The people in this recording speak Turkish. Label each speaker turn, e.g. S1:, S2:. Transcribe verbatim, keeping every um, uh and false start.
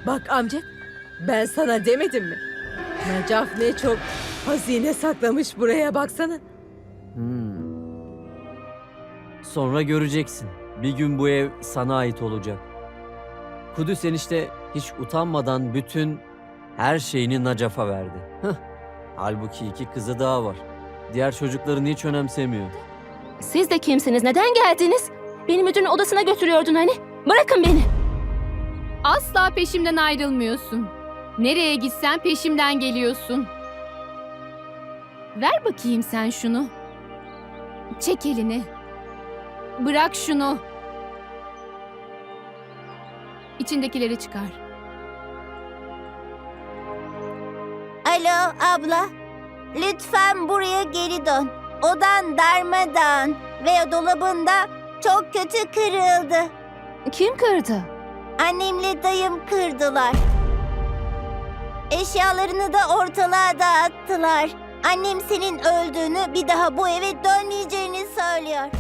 S1: Bak amca, ben sana demedim mi? Necaf ne çok hazine saklamış buraya, baksana.
S2: Hmm. Sonra göreceksin. Bir gün bu ev sana ait olacak. Kudüs enişte hiç utanmadan bütün her şeyini Nacaf'a verdi. Hıh. Halbuki iki kızı daha var. Diğer çocuklarını hiç önemsemiyor.
S3: Siz de kimsiniz? Neden geldiniz? Beni müdürün odasına götürüyordun hani. Bırakın beni.
S4: Asla peşimden ayrılmıyorsun. Nereye gitsen peşimden geliyorsun. Ver bakayım sen şunu. Çek elini. Bırak şunu. İçindekileri çıkar.
S5: Alo abla, lütfen buraya geri dön. Odan darmadağın ve dolabında çok kötü kırıldı.
S3: Kim kırdı?
S5: Annemle dayım kırdılar. Eşyalarını da ortalığa dağıttılar. Annem senin öldüğünü, bir daha bu eve dönmeyeceğini söylüyor.